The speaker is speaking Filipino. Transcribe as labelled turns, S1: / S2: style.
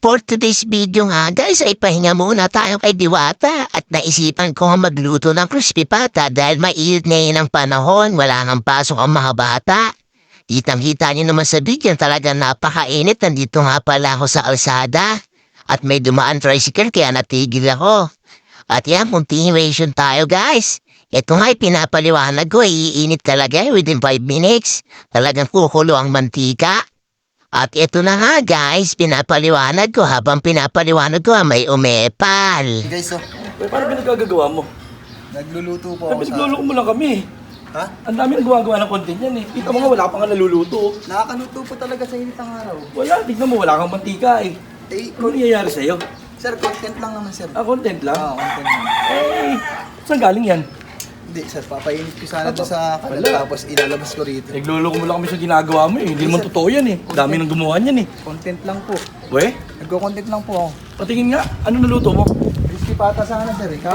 S1: For today's video nga guys ay pahinga muna tayo kay Diwata at naisipan ko nga magluto ng crispy pata dahil mainit ngayon ang panahon, wala nang pasok ang mga bata. Kitang-kita niyo naman sa video talagang napakainit, nandito nga pala ako sa alsada at may dumaan tricycle kaya natigil ako. At yan, continuation tayo guys. Ito nga pinapaliwanag ko, iinit talaga within 5 minutes. Talagang kukulo ang mantika. At ito na nga guys, pinapaliwanag ko habang pinapaliwanag ko may umepal.
S2: Guys,
S3: Uy, paano pinagagagawa mo?
S2: nagluluto po ako sa...
S3: Nagluluto mo lang kami.
S2: Ha?
S3: Ang dami nang gumagawa ng content yan eh. Kita mo nga, wala pa nga naluluto.
S2: Nakakaluto po talaga sa init ng araw.
S3: Wala, tignan mo, wala kang mantika eh. Ano nangyayari sa'yo?
S2: Sir, content lang naman, sir.
S3: Content lang?
S2: Content lang.
S3: Eh, saan galing yan?
S2: Hindi, sir, papainit ko sana doon sa kalat, tapos ilalabas ko rito.
S3: Nagluluko mo lang kami sa ginagawa mo eh. Hindi naman totoo yan eh. Dami nang gumawa niyan eh.
S2: Content lang po.
S3: We,
S2: Nagko-content lang po ako.
S3: patingin nga, ano naluto mo?
S2: Crispy pata sana, sir.